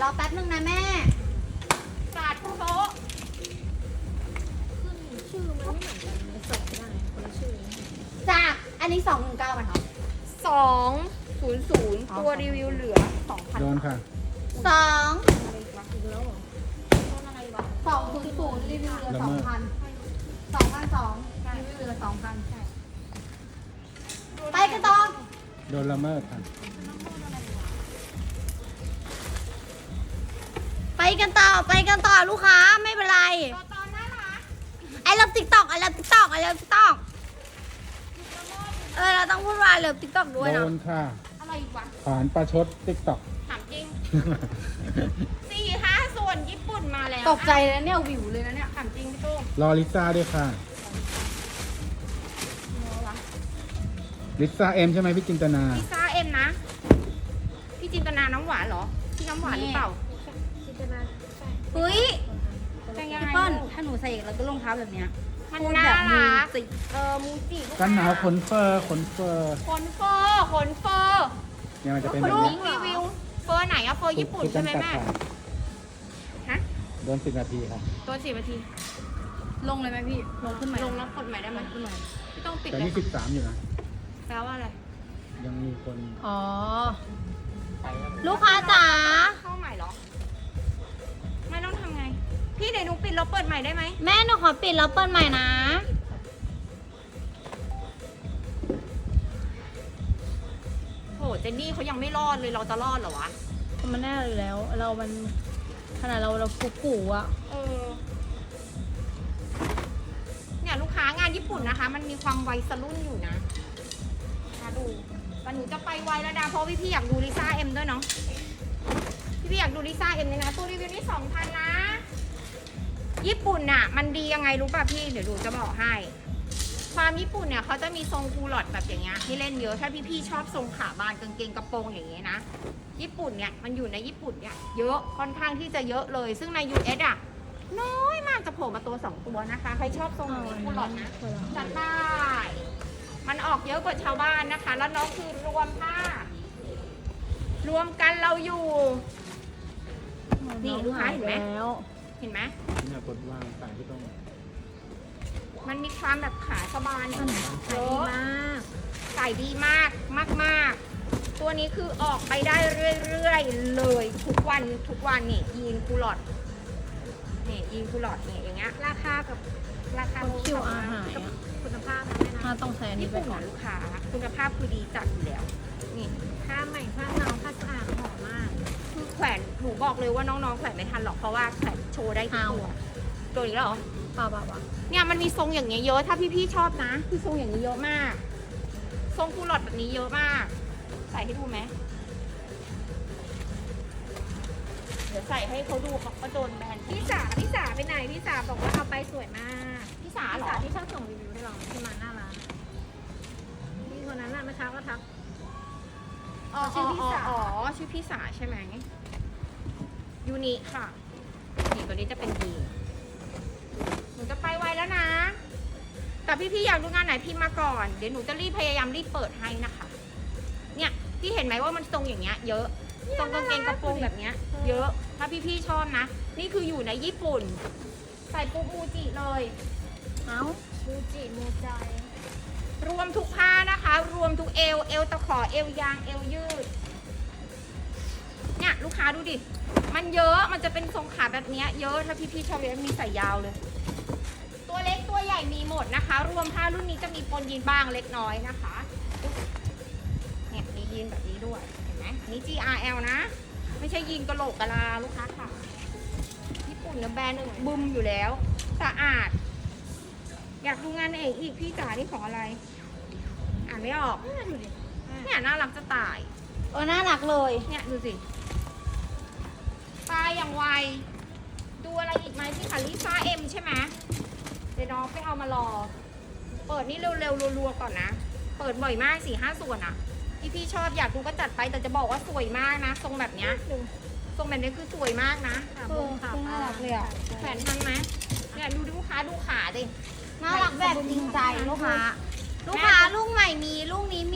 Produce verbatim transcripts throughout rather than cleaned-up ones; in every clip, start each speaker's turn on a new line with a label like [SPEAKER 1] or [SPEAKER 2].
[SPEAKER 1] รอแป๊บนึงนะแม่
[SPEAKER 2] สาดโต๊ะ
[SPEAKER 3] ขึ้นชื่อมันไม่เหมือนกันในส่งไม่ได้คนละชื่อ
[SPEAKER 1] จากอันนี้สองหนึ่งเก้าไหมคะ
[SPEAKER 2] สองศูนย์ศูนย์ตัวรีวิวเหลือสองพัน
[SPEAKER 4] โดนค่ะ
[SPEAKER 1] สอง
[SPEAKER 3] อะไรวะอีกแล้วเหรอ
[SPEAKER 2] ต้นอะไรวะ
[SPEAKER 1] สองศูนย์ศูนย์รีวิวเหลือ
[SPEAKER 4] ละ
[SPEAKER 1] สอ
[SPEAKER 4] เมิ
[SPEAKER 1] ง
[SPEAKER 4] ด
[SPEAKER 1] พันสองพันสองรีวิวเหลือสองพันไปกันต่อ
[SPEAKER 4] โดนละเมิดค่ะ
[SPEAKER 1] ไปกันต่อไปกันต่อลูกค้าไม่เป็นไร
[SPEAKER 2] ตัวตอนน่ารัก
[SPEAKER 1] ไอเลิฟติ๊กต็อกไอเลิฟติ๊กต็อกไอเลิฟติ๊กต็อกเออเราต้องพูดว่าเลิฟติ๊กต็อกด้วย
[SPEAKER 4] โด
[SPEAKER 1] นะ
[SPEAKER 4] นค่ะ
[SPEAKER 2] อะไรอีกวะ
[SPEAKER 4] ฐานประชดติ๊กต็อก
[SPEAKER 2] ถามจริงสี่ห้าส่วนญี่ปุ่นมาแล้ว
[SPEAKER 1] ตกใจเลยเนี่ยวิวเลยนะเนี่ย
[SPEAKER 2] ถามจริงพี่ตุ้ม
[SPEAKER 4] รอลิซ่าด้วยค่ะ
[SPEAKER 2] เนื้อวะ
[SPEAKER 4] ลิซ่าเอ็มใช่ไหมพี่จินตนา
[SPEAKER 2] พิซซ่าเอ็มนะ พี่จินตนาน้ำหวานเหรอ พี่น้ำหวานหรือเปล่า
[SPEAKER 3] จินตนาใช่
[SPEAKER 1] เฮ้ย
[SPEAKER 2] จะยัง
[SPEAKER 1] พี่
[SPEAKER 2] ไง
[SPEAKER 1] เปิ้ล
[SPEAKER 2] ลูก
[SPEAKER 1] ถ้าหนูใส่แล้วก็รองเท้าแบบเนี้ย
[SPEAKER 2] มัน
[SPEAKER 1] พูด
[SPEAKER 2] น่า
[SPEAKER 1] แบบมือ
[SPEAKER 2] รัก
[SPEAKER 1] สิ
[SPEAKER 2] เออมูจิลูก
[SPEAKER 4] กันหนาวขนเฟอร์ขนเฟอร์
[SPEAKER 2] ขนเฟอร์ขนเฟอร์
[SPEAKER 4] เนี่ยมันจะเป็นแบ
[SPEAKER 2] ลู
[SPEAKER 4] บ
[SPEAKER 2] ก
[SPEAKER 4] นี้
[SPEAKER 2] รีวิวเฟอร์ไหนอะเฟอร์ญี่ปุ่นใช่ไหม
[SPEAKER 4] ถูก
[SPEAKER 2] แม่
[SPEAKER 4] จำกัดค่ะ
[SPEAKER 2] ฮะ
[SPEAKER 4] โดนสิบนาทีค่ะ
[SPEAKER 2] ตัวสี่นาที
[SPEAKER 1] ลงเลยไหมพี่ ลงขึ้นไหม
[SPEAKER 2] ลงแล้วกดใหม่ได้ไหมขึ้นใหม่ไม่ต้องปิด
[SPEAKER 4] แต่
[SPEAKER 2] เลย
[SPEAKER 4] นี่สิบสามอยู่นะ
[SPEAKER 2] แปลว่าอะไร
[SPEAKER 4] ยังมีคน
[SPEAKER 1] อ๋อ ลูกค้าจ๋า
[SPEAKER 2] เข้าใหม่เหรอ ไม่ต้องทำไง พี่เดี๋ยวหนูปิดแล้วเปิดใหม่ได้ไหม
[SPEAKER 1] แม่หนูขอปิดแล้วเปิดใหม่นะ
[SPEAKER 2] โหเจนนี่เขายังไม่รอดเลยเราจะรอดเหรอวะ
[SPEAKER 1] มันแน่เลยแล้ว เรามันขนาดเราเรากุ๊กกูอะ
[SPEAKER 2] เออ เนี่ยลูกค้างานญี่ปุ่นนะคะ มันมีความวัยสรุ่นอยู่นะมาดูแต่หนูจะไปไวแล้วนะเพราะพี่พี่ๆอยากดูลิซ่าเอ็มด้วยเนาะ พี่พี่ๆอยากดูลิซ่าเอ็มเลยนะ ตัวรีวิวนี่สองพันนะ ญี่ปุ่นน่ะ มันดียังไงรู้ป่ะพี่ เดี๋ยวดูจะบอกให้ ความญี่ปุ่นเนี่ยเขาจะมีทรงคูลอดแบบอย่างเงี้ยให้เล่นเยอะ ถ้าพี่ๆชอบทรงขาบานกางเกงกระโปรงอย่างเงี้ยนะ ญี่ปุ่นเนี่ยมันอยู่ในญี่ปุ่นเนี่ยเยอะค่อนข้างที่จะเยอะเลย ซึ่งใน ยู เอส อ่ะ น้อยมากจะโผล่มาตัวสองตัวนะคะ ใครชอบทรงแบบนี้คูลอดนะ จัดได้ มันออกเยอะกว่าชาวบ้านนะคะ แล้วน้องคือรวมผ้ารวมกันเราอยู่ นี่ลูกค้าเห็นไหม
[SPEAKER 1] แล้ว
[SPEAKER 2] เห็นไหม
[SPEAKER 4] เนี่ยกดวางสายที่ต้อง
[SPEAKER 2] มันมีความแบบขาสบานเย
[SPEAKER 1] ขายดี
[SPEAKER 2] อะ
[SPEAKER 1] มาก
[SPEAKER 2] ใส่ดีมากมากมากๆตัวนี้คือออกไปได้เรื่อยๆเลย ทุกวันทุกวันนี่ยีนคูลอดนี่ยีนคูลอดเนี่ยอย่างเงี้ยราคากับราคา
[SPEAKER 1] คิวอาร์หายอะ
[SPEAKER 2] คุณภาพนะแม่นะ
[SPEAKER 1] ถ้าต้องใช้อันนี้
[SPEAKER 2] ญี่
[SPEAKER 1] ไป
[SPEAKER 2] ปุ่น
[SPEAKER 1] ก่อน
[SPEAKER 2] ลูกค้าคุณภาพคือดีจัดอยู่แล้ว นี่
[SPEAKER 3] ผ้าใหม่ผ้าเงาผ้าสะอาดหอมมาก
[SPEAKER 2] คือแขวนหนูบอกเลยว่าน้องๆแขวนไม่ทันหรอกเพราะว่าแขวนโชว์ได้ทุกตัวตัวนี้เหรอ
[SPEAKER 1] ป่าวป่าวป่าว
[SPEAKER 2] เนี่ยมันมีทรงอย่างเงี้ยเยอะถ้าพี่ๆชอบนะคือทรงอย่างนี้เยอะมาก ทรงคูลอดแบบนี้เยอะมาก ใส่ให้ดูไหมเดี๋ยวใส่ให้เขาดูเขาก็โดนแบน
[SPEAKER 3] พี่สาพี่สาไปไหนพี่สาบอกว่าเอาไปสวยมาก
[SPEAKER 2] พี่สา
[SPEAKER 3] พี่
[SPEAKER 2] เหร
[SPEAKER 3] สา
[SPEAKER 2] อ
[SPEAKER 3] ที่ชอบส่งรีวิวให้เราที่มาหน้าร้านพี่คนนั้นน่ะเมื่อเช้าก็ทัก
[SPEAKER 2] อ๋อ
[SPEAKER 3] ชื่อพี่สา
[SPEAKER 2] อ๋ออ๋อชื่อพี่สาใช่ไหมยูนิค่ะนี่ตัวนี้จะเป็นยีนหนูจะไปไวแล้วนะ แต่พี่ๆอยากดูงานไหนพี่มาก่อน เดี๋ยวหนูจะรีบพยายามรีบเปิดให้นะคะ เนี่ยพี่เห็นไหมว่ามันทรงอย่างเงี้ย เยอะทรงกางเกงกระโปรงแบบเนี้ย เยอะ ถ้าพี่ๆชอบนะ นี่คืออยู่ในญี่ปุ่น ใส่ปุ๊บมูจิเลย
[SPEAKER 1] เอ้า
[SPEAKER 3] มูจิมูใจ
[SPEAKER 2] รวมทุกผ้านะคะ รวมทุกเอว เอวตะขอ เอวยาง เอวยืด เนี่ยลูกค้าดูดิ มันเยอะ มันจะเป็นทรงขาแบบเนี้ยเยอะ ถ้าพี่ๆชอบเลยมีใส่ยาวเลย ตัวเล็กตัวใหญ่มีหมดนะคะ รวมผ้ารุ่นนี้จะมีปนยีนบ้างเล็กน้อยนะคะ เนี่ยมียีนแบบนี้ด้วย เห็นไหมนี่ จี อาร์ แอล นะ ไม่ใช่ยีนกะโหลกกะลาลูกค้าค่ะ ญี่ปุ่นเนี่ยแบรนด์หนึ่งบึมอยู่แล้ว สะอาด อยากดูงานเอกอีกพี่จ๋านี่ของอะไร อ่านไม่ออก
[SPEAKER 3] ดูดิ
[SPEAKER 2] เนี่ยน่ารักจะตาย
[SPEAKER 1] เออน่ารักเลย
[SPEAKER 2] เนี่ยดูสิตายอย่างไว ดูอะไรอีกไหมพี่คะลิซ่าเอ็มใช่ไหมเดี๋ยวน้องไปเอามารอ เปิดนี่เร็วๆรัวๆก่อนนะ เปิดบ่อยมากสี่ห้าส่วนอะที่พี่ชอบอยากดูก็จัดไปแต่จะบอกว่าสวยมากนะ ทรงแบบเนี้ย
[SPEAKER 3] ดู
[SPEAKER 2] ทรงแบบนี้คือสวยมากนะ
[SPEAKER 3] ขา
[SPEAKER 1] เอ
[SPEAKER 3] บุ
[SPEAKER 1] อง
[SPEAKER 3] ขา
[SPEAKER 1] น่ารักเลยอ่ะ
[SPEAKER 2] แขวนทันไหมเนี่ยดูลูกค้าดูขาดิ
[SPEAKER 1] น่ารักแบบจริงใจลูกค้า ลูกค้าลูกใหม่มีลูกนี้มีใครรับ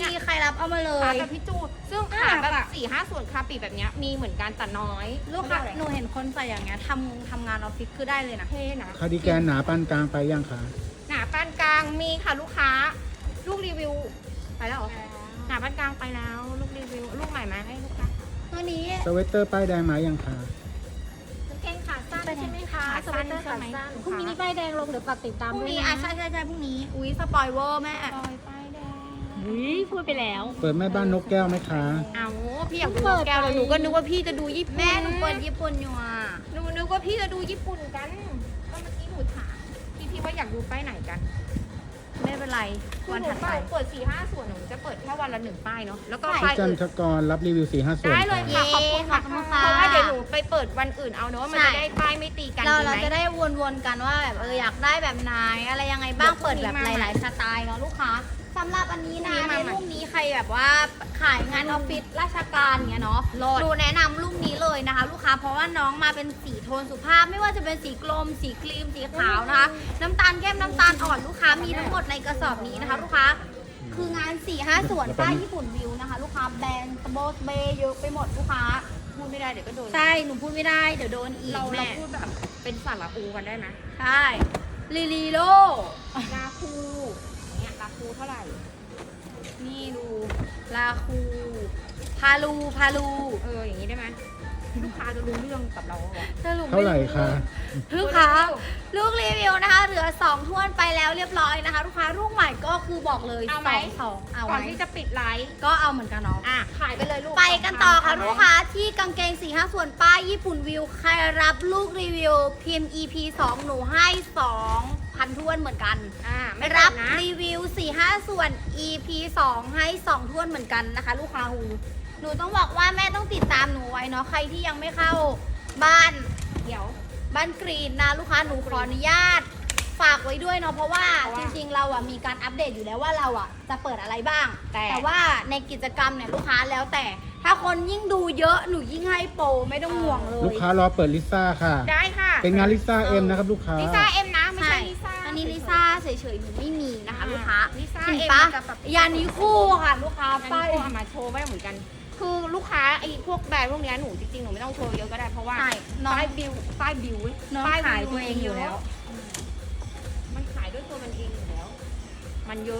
[SPEAKER 1] รับเอามาเล
[SPEAKER 2] ขาย แบบพี่จูซึ่งขาแบบสี่ห้าส่วนคาปีแบบเนี้ยมีเหมือนกันแต่น้อย
[SPEAKER 1] ลูกค้าหนูเห็นคนใส่อย่างเงี้ยทำทำงานออฟฟิศคือได้เลยนะ
[SPEAKER 2] เท่นะ
[SPEAKER 4] คาร์ดิแกนหนาปานกลางไปยังคะ
[SPEAKER 2] หนาปานกลางมีค่ะลูกค้า ลูกรีวิวไปแล้วเหรอหนาปานกลางไปแล้ว ลูกรีวิวลูกใหม่มาให้ลูกค้า
[SPEAKER 1] ตัวนี้
[SPEAKER 4] สเวตเตอร์ป้ายแดงมายังคะ
[SPEAKER 3] กางเกงขาสั้นใช่ไหมคะ
[SPEAKER 2] ขา
[SPEAKER 3] ส
[SPEAKER 2] สั้
[SPEAKER 3] เวน ตเตอร์
[SPEAKER 2] ใช่
[SPEAKER 3] ขา
[SPEAKER 2] ไหม
[SPEAKER 3] สั้นพรุ่งนี้มีป้ายแดงลงเดี๋ยวฝากติดตาม
[SPEAKER 1] พรุ่ง
[SPEAKER 3] ด้วย
[SPEAKER 1] นี้
[SPEAKER 3] นะ
[SPEAKER 1] อ่ะใช่ใช่ใช่พรุ่งนี้อุ้ยสปอยเวอร์แม่
[SPEAKER 2] ปล่อยไปแดง
[SPEAKER 3] อุ้ยพูดไปแล้ว
[SPEAKER 4] เปิดแม่บ้านนกแก้วไหมคะ
[SPEAKER 2] เอาพี่อยากดูนกแก้วเลยหนูก็นึกว่าพี่จะดูญี่ปุ่น
[SPEAKER 1] แม่หนูเปิดญี่ปุ่นอยู่อ่ะ
[SPEAKER 2] หนูนึกว่าพี่จะดูญี่ปุ่นกันก็เมื่อกี้หนูถามพี่พี่ว่าอยากดูป้ายไหนกัน
[SPEAKER 1] ไม่เป็นไร
[SPEAKER 2] คือ
[SPEAKER 1] วัน
[SPEAKER 2] หนู
[SPEAKER 1] ถัดไป
[SPEAKER 2] เปิดสี่ห้าส่วนหนูจะเปิดแค่วันละหนึ่งป้ายเนาะแล้วก็
[SPEAKER 4] พี่
[SPEAKER 2] ป้าย
[SPEAKER 4] จัน
[SPEAKER 2] อื่น
[SPEAKER 4] ทกรรับรีวิวสี่ห้าส่วน
[SPEAKER 2] ได้เลย
[SPEAKER 4] ค่ะ
[SPEAKER 2] ค่ะขอบคุณค่ะ
[SPEAKER 1] ขอบคุณค่ะ
[SPEAKER 2] เพราะว่าเดี๋ยวหนูไปเปิดวันอื่นเอาเนาะมัน
[SPEAKER 1] ใช่
[SPEAKER 2] จะได้ป้ายไม่ตีกัน
[SPEAKER 1] เรา
[SPEAKER 2] ดี
[SPEAKER 1] เรา
[SPEAKER 2] ไหม
[SPEAKER 1] จะได้วนๆกันว่าแบบเอออยากได้แบบไหนอะไรยังไงบ้าง
[SPEAKER 2] เดี๋ยวพรุ่
[SPEAKER 1] เปิ
[SPEAKER 2] ง
[SPEAKER 1] ด
[SPEAKER 2] นี้
[SPEAKER 1] แบบ
[SPEAKER 2] มา
[SPEAKER 1] หลาย ๆ สไตล์เนาะลูกค้าสำหรับอันนี้นะ
[SPEAKER 2] พรุ่งนี้
[SPEAKER 1] ใน
[SPEAKER 2] มาใหม่
[SPEAKER 1] รูปนี้ใครแบบว่าขายงานออฟฟิศราชการเงี้ยเนาะ
[SPEAKER 2] โลด
[SPEAKER 1] หนูแนะนำรูปนี้เลยนะคะ ลูกค้าเพราะว่าน้องมาเป็นสีโทนสุภาพ ไม่ว่าจะเป็นสีกลม สีครีมสีขาวนะคะ น้ำตาลเข้มน้ำตาลอ่อนลูกค้ามีทั้งหมดในกระสอบนี้นะคะ ลูกค้าคืองาน4ี่ห้าส่วนป้ายญี่ปุ่นวิวนะคะ ลูกค้าแบรนด์โบสเบย์เยอะไปหมดลูกค้า
[SPEAKER 2] พูดไม่ได้เดี๋ยวก็โดน
[SPEAKER 1] ใช่หนูพูดไม่ได้เดี๋ยวโดนอีก
[SPEAKER 2] เราเรา
[SPEAKER 1] แม่
[SPEAKER 2] พูดแบบเป็นสาระอูกันได้ไหม
[SPEAKER 1] ใช่ลีลีโล
[SPEAKER 2] ลาคูเนี่ยลาคูเท่าไหร่
[SPEAKER 1] นี่ดูลาคู พาลูพาลู
[SPEAKER 2] เอออย่างนี้ได้ไหมลูกค้าจะรู้เรื่องกับเราเหรอ
[SPEAKER 1] สรุป
[SPEAKER 4] เท่าไหร่คะ
[SPEAKER 1] ลูกค้าลูกรีวิวนะคะ เหลือสองท้วนไปแล้วเรียบร้อยนะคะ ลูกค้าลูกใหม่ก็คือบอกเลย
[SPEAKER 2] เอา
[SPEAKER 1] ส
[SPEAKER 2] ไหม
[SPEAKER 1] องสองเอา
[SPEAKER 2] ก่อน
[SPEAKER 1] ไหม
[SPEAKER 2] ที่จะปิดไลฟ์
[SPEAKER 1] ก็เอาเหมือนกันเนาะ
[SPEAKER 2] อ่ะขายไปเลยลูก
[SPEAKER 1] ไปกันต่อค่ะ
[SPEAKER 2] เาไหม
[SPEAKER 1] ลูกค้าที่กางเกงสี่ห้าส่วนป้ายญี่ปุ่นวิวใครรับลูกรีวิวพิมพ์ อี พี สองหนูให้สองพันท้วนเหมือนกัน
[SPEAKER 2] อ่าไม่
[SPEAKER 1] รั
[SPEAKER 2] รั
[SPEAKER 1] บบ
[SPEAKER 2] นะ
[SPEAKER 1] รีวิวสี่ห้าส่วน อี พี สองให้สองท้วนเหมือนกันนะคะ ลูกค้าหูหนูต้องบอกว่าแม่ต้องติดตามหนูไว้เนาะใครที่ยังไม่เข้าบ้าน
[SPEAKER 2] เดี๋ยว
[SPEAKER 1] บ้านกรีนนะลูกค้าหนูขออนุญาตฝากไว้ด้วยเนาะเพราะว่า
[SPEAKER 2] เพราะว่า
[SPEAKER 1] จริงๆเราอ่ะมีการอัปเดตอยู่แล้วว่าเราอ่ะจะเปิดอะไรบ้าง
[SPEAKER 2] แต่
[SPEAKER 1] แต่ว่าในกิจกรรมเนี่ยลูกค้าแล้วแต่ ถ้าคนยิ่งดูเยอะหนูยิ่งให้โปรไม่ต้องห่วงเลย
[SPEAKER 4] ลูกค้ารอเปิดลิซ่าค่ะ
[SPEAKER 2] ได้ค่ะ
[SPEAKER 4] เป็นงานลิซ่าเอ็มนะครับลูกค้า
[SPEAKER 2] ลิซ่าเอ็มนะไม่
[SPEAKER 1] ใช่
[SPEAKER 2] ใช่ลิซ่า
[SPEAKER 1] อันนี้ลิซ่าเฉยๆหนูไม่มีนะคะ
[SPEAKER 2] อ่า
[SPEAKER 1] ลูกค้า
[SPEAKER 2] ลิซ่า
[SPEAKER 1] เห็น
[SPEAKER 2] เอ็ม
[SPEAKER 1] ปะ
[SPEAKER 2] กับแบบ
[SPEAKER 1] ยานี้คู่ค่ะ ลูกค้า
[SPEAKER 2] ไป
[SPEAKER 1] ป้าย
[SPEAKER 2] เอามาโชว์ไว้เหมือนกัน คือลูกค้าไอ้พวกแบรนด์พวกเนี้ยหนูจริงๆหนูไม่ต้องโชว์เยอะก็ได้เพราะว่า
[SPEAKER 1] ใช่น้อง
[SPEAKER 2] ป้ายบิวป้ายบิว
[SPEAKER 1] น้อง
[SPEAKER 2] ป้
[SPEAKER 1] ขายตัวเองอยู่แล้ว
[SPEAKER 2] มันขายด้วยตัวมันเองอยู่แล้ว มันเยอะ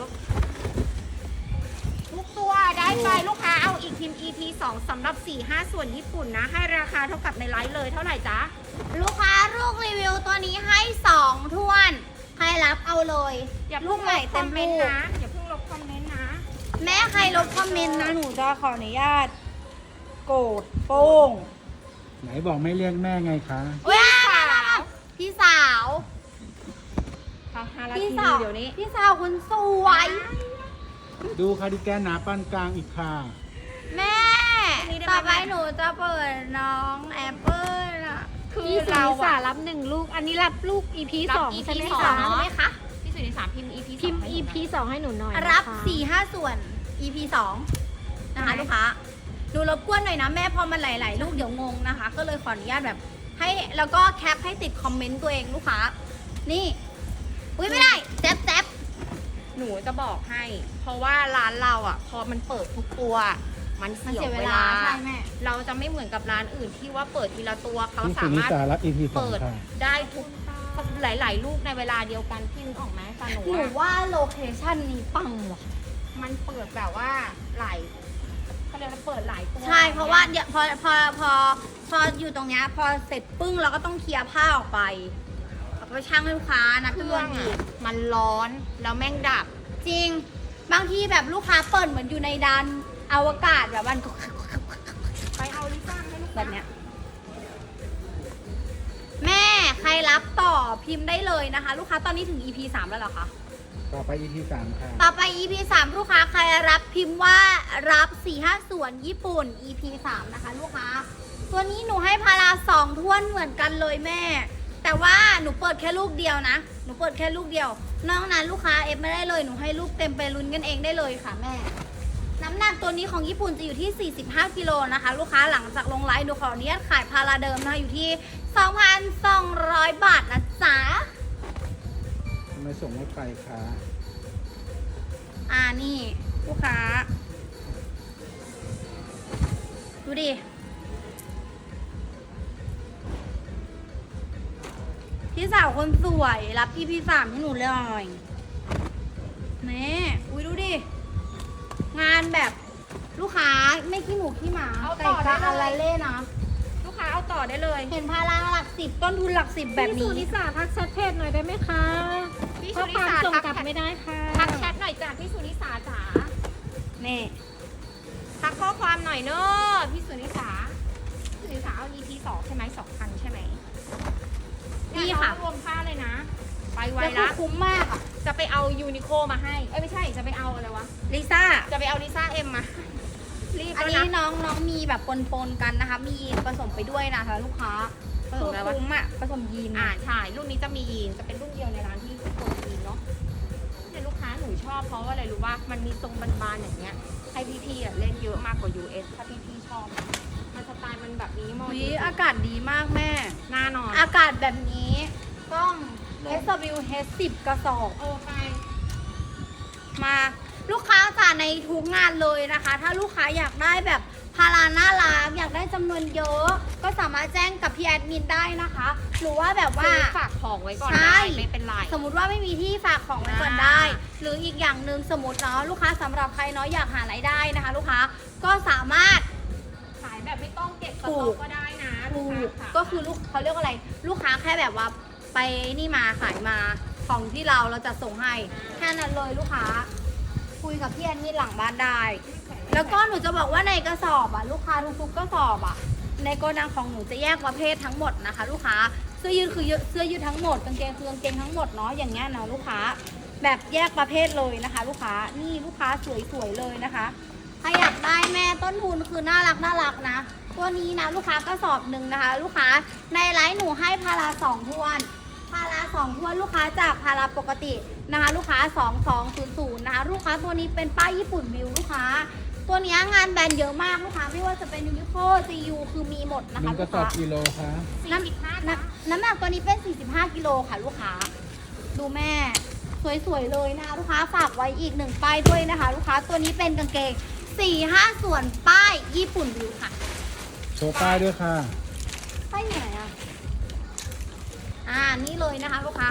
[SPEAKER 2] ทุกตัวได้ไปลูกค้าเอาอีกพิมพ์ อี พี สองสำหรับ สี่ห้า ส่วนญี่ปุ่นนะ ให้ราคาเท่ากับในไลฟ์เลยเท่าไหร่จ๊ะ
[SPEAKER 1] ลูกค้าลูกรีวิวตัวนี้ให้สองท้วน ใครรับเอาเลย
[SPEAKER 2] อย่า
[SPEAKER 1] ลู
[SPEAKER 2] เพิ่
[SPEAKER 1] ก
[SPEAKER 2] ง
[SPEAKER 1] ให
[SPEAKER 2] ล
[SPEAKER 1] ม่
[SPEAKER 2] บค
[SPEAKER 1] เต็
[SPEAKER 2] อม
[SPEAKER 1] ม
[SPEAKER 2] เม
[SPEAKER 1] ลู
[SPEAKER 2] นต์
[SPEAKER 1] ก
[SPEAKER 2] นะอย่าเพิ่งลบคอมเมนต์นะ
[SPEAKER 1] แม่ใครลบคอมเมนต์นะหนูจะขออนุญาตโกรธโป้ง
[SPEAKER 4] ไหนบอกไม่เรียกแม่ไงคะ
[SPEAKER 1] เว้ยพี่สาว
[SPEAKER 2] ค่ะห้านา
[SPEAKER 1] พี่
[SPEAKER 2] ที
[SPEAKER 1] สาว
[SPEAKER 2] เดี๋ยวนี้
[SPEAKER 1] พี่สาวคุณสวย
[SPEAKER 4] ดูคาร์ดิแกนหนาปานกลางอีกค่ะ
[SPEAKER 1] แม่ ต่อไปหนูจะเปิดน้องแอปเปิลอ่ะ
[SPEAKER 2] คือ
[SPEAKER 3] พี่สุ
[SPEAKER 2] เรา
[SPEAKER 3] นิสา
[SPEAKER 2] อะ
[SPEAKER 3] รับหนึ่งลูก อันนี้รับลูก อี พี
[SPEAKER 2] รับ
[SPEAKER 3] สอง
[SPEAKER 2] อี
[SPEAKER 3] ใช่
[SPEAKER 2] พี
[SPEAKER 3] ไหม
[SPEAKER 2] สอง
[SPEAKER 3] คะ
[SPEAKER 1] ใช่ไหมคะ
[SPEAKER 2] พี่สุนิสาพิมพ์ อี พี
[SPEAKER 3] พิมพ์
[SPEAKER 2] สอง
[SPEAKER 3] อี พี สองให้หนูหน่อยนะคะ
[SPEAKER 1] รับสี่ห้าส่วน อี พี สองนะคะลูกค้าดูรบกวนหน่อยนะแม่พอมันหลาย ๆ ลูกเดี๋ยวงงนะคะ ก็เลยขออนุญาตแบบ ให้แล้วก็แคปให้ติดคอมเมนต์ตัวเองลูกค้า นี่ อุ้ยไม่ได้แจ๊บแจ๊บ
[SPEAKER 2] หนูจะบอกให้ เพราะว่าร้านเราอ่ะ พอมันเปิดทุกตัว มัน
[SPEAKER 1] มัน
[SPEAKER 2] เสี
[SPEAKER 1] เสี
[SPEAKER 2] ย
[SPEAKER 1] ย
[SPEAKER 2] เว
[SPEAKER 1] เว
[SPEAKER 2] ลา
[SPEAKER 1] ลาใช่แม่
[SPEAKER 2] เราจะไม่เหมือนกับร้านอื่นที่ว่าเปิดทีละตัวเขา
[SPEAKER 4] พี่
[SPEAKER 2] สา
[SPEAKER 4] สุนิ
[SPEAKER 2] มารถ
[SPEAKER 4] สารับ อี พี สอง
[SPEAKER 2] เปิด
[SPEAKER 4] ค่ะ
[SPEAKER 2] ได้ทุกหลาย ๆ ลูกในเวลาเดียวกันพี่นึกออกไหมแต่หนู
[SPEAKER 1] หนู
[SPEAKER 2] อะ
[SPEAKER 1] ว่าโลเคชั่นนี้ปังว่ะ
[SPEAKER 2] มันเปิดแบบว่าหลายเขาเรียกว่าเปิดหลายตัว
[SPEAKER 1] ใช่เพราะว่าเดี๋ยวพอพอพอพออยู่ตรงเนี้ยพอเสร็จปึ้งเราก็ต้องเคลียร์ผ้าออกไปเอาไปช่างให้ลูกค้านับ
[SPEAKER 2] เค
[SPEAKER 1] จำน
[SPEAKER 2] รื่
[SPEAKER 1] ว
[SPEAKER 2] อน ง
[SPEAKER 1] อี
[SPEAKER 2] อะ
[SPEAKER 1] ก
[SPEAKER 2] มันร้อนแล้วแม่งดับ
[SPEAKER 1] จริง บางทีแบบลูกค้าเปิดเหมือนอยู่ในดานอวกาศแบบมัน
[SPEAKER 2] ไปเอาลิซ่าให้ลูก
[SPEAKER 1] แบบเนี้ย แม่ใครรับต่อพิมพ์ได้เลยนะคะ ลูกค้าตอนนี้ถึง อี พี สามแล้วเหรอคะ
[SPEAKER 4] ต่อไป อี พี สามค่ะ
[SPEAKER 1] ต่อไป อี พี สาม ลูกค้าใครรับพิมพ์ว่ารับสี่ห้าส่วนญี่ปุ่น อี พี สาม นะคะลูกค้า ตัวนี้หนูให้พาราสองท้วนเหมือนกันเลยแม่ แต่ว่าหนูเปิดแค่ลูกเดียวนะ หนูเปิดแค่ลูกเดียวนอกนั้นลูกค้าเอฟไม่ได้เลย หนูให้ลูกเต็มไปลุ้นกันเองได้เลยค่ะแม่ น้ำหนักตัวนี้ของญี่ปุ่นจะอยู่ที่ สี่สิบห้า กิโลนะคะ ลูกค้าหลังจากลงไลฟ์หนูขออนุญาตขายพาราเดิมนะคะอยู่ที่ สองพันสองร้อย บาทนะจ๊ะ
[SPEAKER 4] ทำไมส่งไม่ไปคะ
[SPEAKER 1] อ่านี่ลูกค้าดูดิ พี่สาวคนสวยรับพี่พี่สามให้หนูเลยหน่อยนี่อุ้ยดูดิ งานแบบลูกค้าไม่ขี้หมูขี้หมา
[SPEAKER 2] เอา
[SPEAKER 1] ไก่
[SPEAKER 2] ต่อ
[SPEAKER 1] ปลา
[SPEAKER 2] ได้
[SPEAKER 1] อะ
[SPEAKER 2] เล
[SPEAKER 1] ไร
[SPEAKER 2] ย
[SPEAKER 1] เล่นะ
[SPEAKER 2] ลูกค้าเอาต่อได้เลย
[SPEAKER 1] เห็นพาราหลักสิบต้นทุนหลักสิบแบบ
[SPEAKER 3] พี่สุ
[SPEAKER 1] นี้
[SPEAKER 3] นิสาทักแชทเพจหน่อยได้ไหมคะ
[SPEAKER 2] พี่
[SPEAKER 3] เพ
[SPEAKER 2] สุ
[SPEAKER 3] ราะ
[SPEAKER 2] นิ
[SPEAKER 3] ความ
[SPEAKER 2] สา
[SPEAKER 3] ส่ง
[SPEAKER 2] ทัก
[SPEAKER 3] กลับ
[SPEAKER 2] แชท
[SPEAKER 3] ไม่ได้ค่ะ
[SPEAKER 2] ทักแชทหน่อยจ้ะพี่สุนิสาจ๋า
[SPEAKER 1] นี่
[SPEAKER 2] ทักข้อความหน่อยเนอะพี่สุนิสาพี่สุนิสาเอา อี พี สองใช่ไหมสองพันใช่ไหม
[SPEAKER 1] นี่ค่ะ
[SPEAKER 2] รวมค่าเลยนะ ไปไว
[SPEAKER 1] แล้วก็
[SPEAKER 2] ละ
[SPEAKER 1] คุ้มมากอ่ะ
[SPEAKER 2] จะไปเอายูนิโคมาให้ เอ้ยไม่ใช่ จะไปเอาอะไรวะ
[SPEAKER 1] ลิซ่า
[SPEAKER 2] จะไปเอาลิซ่าเอ็มมา รีบ
[SPEAKER 1] อัน
[SPEAKER 2] แล้ว
[SPEAKER 1] นี้
[SPEAKER 2] นะ
[SPEAKER 1] น้องน้องมีแบบปนๆกันนะคะ มีผสมไปด้วยนะคะลูกค้า
[SPEAKER 2] ผสมอะไรวะ
[SPEAKER 1] คุ้มอ่ะผสมยีน
[SPEAKER 2] อ่าใช่ รุ่นนี้จะมียีน จะเป็นรุ่นเดียวในร้านที่คนยีนเนาะเนี่ยลูกค้าหนูชอบเพราะว่าอะไรรู้ว่ามันมีทรงบานๆอย่างเงี้ย ให้พี่ๆอ่ะเล่นเยอะมากกว่า ยู เอส ถ้าพี่ๆชอบ มันสไตล์มันแบบนี้มอ
[SPEAKER 1] อุ๊
[SPEAKER 2] จ
[SPEAKER 1] ย
[SPEAKER 2] ริงๆ
[SPEAKER 1] อากาศดีมากแม่
[SPEAKER 2] หน้านอน
[SPEAKER 1] อากาศแบบนี้ต้อง เอส ดับเบิลยู เอช สิบ กระสอบ
[SPEAKER 2] เออไป
[SPEAKER 1] มาลูกค้าจ่าในทุกงานเลยนะคะ ถ้าลูกค้าอยากได้แบบพาราน่ารักอยากได้จำนวนเยอะ ก็สามารถแจ้งกับพี่แอดมินได้นะคะ หรือว่าแบบว่า
[SPEAKER 2] ซื้อฝากของไว้ก่อน
[SPEAKER 1] ใช่
[SPEAKER 2] ได้ไม่เป็นไร
[SPEAKER 1] สมมุติว่าไม่มีที่ฝากของไว้ก่อน
[SPEAKER 2] อ่า
[SPEAKER 1] ได้ หรืออีกอย่างหนึ่งสมมติเนาะลูกค้าสำหรับใครเนาะอยากหารายได้นะคะ ลูกค้าก็สามารถ
[SPEAKER 2] ขายแบบไม่ต้องเก็บส
[SPEAKER 1] ถู
[SPEAKER 2] ต็อก กก็ได้นะลู
[SPEAKER 1] ถู
[SPEAKER 2] ก
[SPEAKER 1] ก
[SPEAKER 2] ค้าค่ะ
[SPEAKER 1] ก็คือลูกเขาเรียกว่าอะไร ลูกค้าแค่แบบว่าไปนี่มาขายมาของที่เราเราจะส่งให้แค่นั้นเลยลูกค้า คุยกับพี่แอนนี่หลังบ้านได้ แล้วก็หนูจะบอกว่าในกระสอบอ่ะลูกค้าทุกๆกระสอบอ่ะในโกดังของหนูจะแยกประเภททั้งหมดนะคะ ลูกค้าเสื้อยืดคือเสื้อยืดทั้งหมดกางเกงคือกางเกงทั้งหมดเนาะอย่างเงี้ยเนาะลูกค้าแบบแยกประเภทเลยนะคะ ลูกค้านี่ลูกค้าสวยๆเลยนะคะใครอยากได้แม่ต้นทุนคือน่ารักน่ารักนะตัวนี้นะลูกค้ากระสอบหนึ่งนะคะ ลูกค้าในไลน์หนูให้พาราสองทวนพาราสองทวนลูกค้าจากพาราปกตินะคะ ลูกค้าสองสองศูนย์ศูนย์นะคะลูกค้าตัวนี้เป็นป้ายญี่ปุ่นวิวลูกค้า ตัวเนี้ยงานแบรนด์เยอะมากลูกค้าไม่ว่าจะเป็นยูนิโค จี ยู คือมีหมดนะ
[SPEAKER 4] หนึ่
[SPEAKER 1] คะ
[SPEAKER 4] งก
[SPEAKER 1] ลู
[SPEAKER 4] ระ
[SPEAKER 1] ก
[SPEAKER 4] สอบ
[SPEAKER 1] ค้า
[SPEAKER 4] กิโลคะ
[SPEAKER 1] น้ำน้ำน้ำหนักตัวนี้เป็น สี่สิบห้า กิโลค่ะลูกค้า ดูแม่ สวยๆเลยนะคะลูกค้าฝากไว้อีกหนึ่งป้ายด้วยนะคะ ลูกค้าตัวนี้เป็นกางเกง สี่ห้า ส่วนป้ายญี่ปุ่นวิวค่ะ
[SPEAKER 4] โชว์ป้ายด้วยค่ะ
[SPEAKER 1] ป้ายไหนอ่ะ อ่านี่เลยนะคะลูกค้า